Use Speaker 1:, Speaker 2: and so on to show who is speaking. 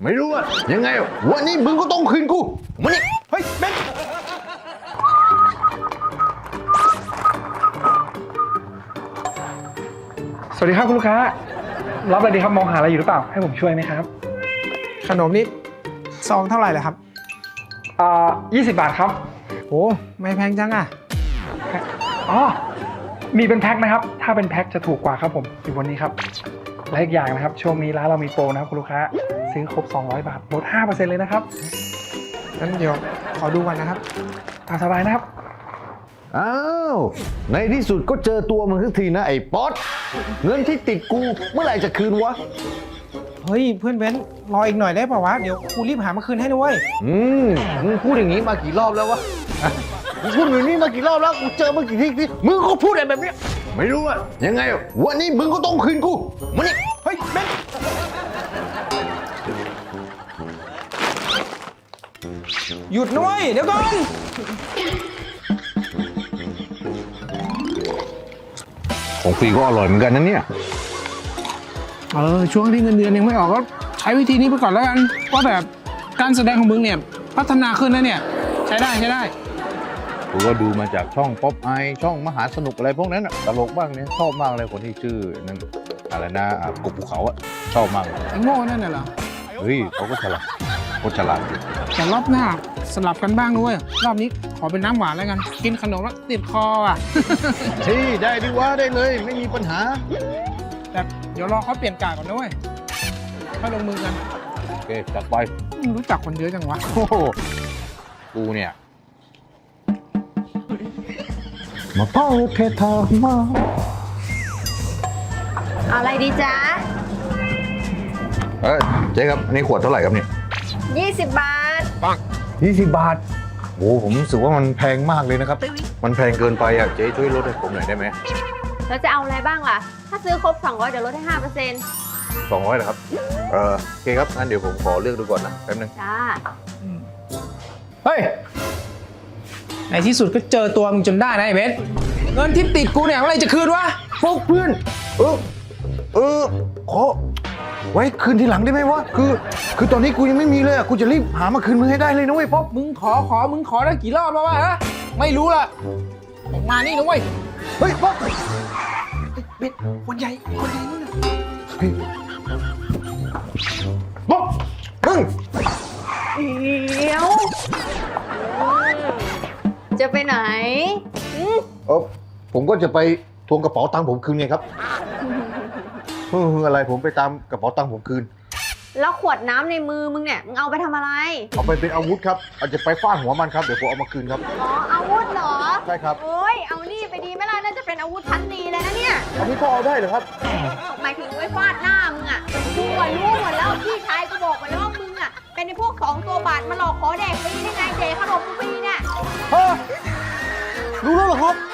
Speaker 1: ไม่รู้อะยังไงวันนี้มึงก็ต้องคืนกูมานี่เฮ้ยเบน
Speaker 2: สวัสดีครับคุณลูกค้ารับอะไรดีครับมองหาอะไรอยู่หรือเปล่าให้ผมช่วยไหมครับ
Speaker 3: ขนมนี่ซองเท่าไหร่เลยครับ
Speaker 2: 20 บาทครับ
Speaker 3: โอ้ไม่แพงจังอ่ะ
Speaker 2: อ๋อมีเป็นแพ็คนะครับถ้าเป็นแพ็คจะถูกกว่าครับผมอยู่บนนี้ครับและอีกอย่างนะครับช่วงนี้ร้านเรามีโปรนะครับคุณลูกค้าซื้อครบ200 บาทลด 5% เลยนะครับ
Speaker 3: งั้นเดี๋ยวขอดูก่อนนะครับ
Speaker 2: ตามสบายนะครับ
Speaker 1: อ้าวในที่สุดก็เจอตัวมึงสักทีนะไอ้ป๊อตเงินที่ติดกูเมื่อไหร่จะคืนวะ
Speaker 3: เฮ้ยเพื่อนเบนรออีกหน่อยได้ป่าวะเดี๋ยวกูรีบหามาคืนให้ด้วย
Speaker 1: มึงพูดอย่างนี้มากี่รอบแล้ววะมึงพูดอย่างนี้มากี่รอบแล้วกูเจอมากี่ทีมึงก็พูดอะไรแบบนี้ไม่รู้อะยังไงวันนี้มึงก็ต้องคืนกูมานี่เฮ้ยเบน
Speaker 3: หยุดด้วยเดี๋ยวก่อน
Speaker 1: ของฟรีก็อร่อยเหมือนกันนะเนี่ย
Speaker 3: ช่วงที่เงินเดือนยังไม่ออกก็ใช้วิธีนี้ไปก่อนแล้วกันว่าแบบการแสดงของมึงเนี่ยพัฒนาขึ้นแล้วเนี่ยใช้ได้
Speaker 1: กูก็ดูมาจากช่องป๊อปไอช่องมหาสนุกอะไรพวกนั้นตลกบ้างเนี่ยชอบมากเลยคนที่ชื่อนั่นอะไรนะกบภูเขาอะชอบมาก
Speaker 3: ไอ้โง่นั่นน่ะเหรอ
Speaker 1: เฮ้ยเขาก็ฉลาดอยู่
Speaker 3: แต่รอบหน้าสลับกันบ้างด้วยรอบนี้ขอเป็นน้ำหวานแล้วกันกินขนมแล้วติดคออ่ะ
Speaker 1: เฮ้ยได้ดิวะได้เลยไม่มีปัญหา
Speaker 3: แต่เดี๋ยวรอเขาเปลี่ยนกาดก่อนด้วยค่อยลงมือกัน
Speaker 1: โอเคจัดไป
Speaker 3: รู้จักคนเยอะจังวะ
Speaker 1: โอ้โหกูเนี่ยมาเป้าเททามา
Speaker 4: เอาอะไรดีจ๊ะ
Speaker 1: เจ๊ครับอันนี้ขวดเท่าไหร่ครับเนี่ย
Speaker 4: 20 บาท
Speaker 1: ปัง20 บาทโอ้ผมรู้สึกว่ามันแพงมากเลยนะครับมันแพงเกินไปอ่ะเจ๊ช่วยลดให้ผมหน่อยได้ไหม
Speaker 4: แล้วจะเอาอะไรบ้างล่ะถ้าซื้อครบ200เดี๋ยวลดให้ 5%
Speaker 1: 200นะครับโอเคครับงั้นเดี๋ยวผมขอเลือกดูก่อนนะแป๊บนึง
Speaker 4: จ้า
Speaker 3: เฮ้ยในที่สุดก็เจอตัวมึงจนได้นะไอ้เบนเงินที่ติดกูเนี่ยเมื่อไรจะคืนวะ
Speaker 1: พวกเพื่อนขอไว้คืนทีหลังได้ไหมวะคือตอนนี้กูยังไม่มีเลยอ่ะกูจะรีบหามาคืนมึงให้ได้เลยนะเว้ยป๊อป
Speaker 3: มึงขอได้กี่รอบแล้ววะฮะไม่รู้ละออกมานี่นะเว้ย
Speaker 1: เฮ้ยป๊อป
Speaker 3: เบ็ดคนใหญ่นู่นน่ะ
Speaker 1: ป๊อปมึง
Speaker 4: เดี๋ยวจะไปไหน
Speaker 1: ผมก็จะไปทวงกระเป๋าตังค์ผมคืนไงครับอะไรผมไปตามกระเป๋าตังค์ผมคืน
Speaker 4: แล้วขวดน้ำในมือมึงเนี่ยมึงเอาไปทำอะไร
Speaker 1: เอาไปเป็นอาวุธครับอาจจะไปฟาดหัวมันครับเดี๋ยวผมเอามาคืนครับ
Speaker 4: อ๋ออาวุธเหรอ
Speaker 1: ใช่ครับ
Speaker 4: โอ้ยเอานี่ไปดีไหมล่ะน่าจะเป็นอาวุธชั้นดีเลยนะเนี่ย
Speaker 1: เอาพี่พ่อเอาได้เหรอครับ
Speaker 4: หมายถึงไว้ฟาดหน้ามึงอ่ะกูรู้หมดแล้วพี่ชายกูบอกมาแล้วว่ามึงอ่ะเป็นในพวก2 ตัวบาทมาหลอกขอแดกฟรีได้ไงเจ๊ขนมฟรีเนี่ย
Speaker 1: รู้แล้วเหรอครับ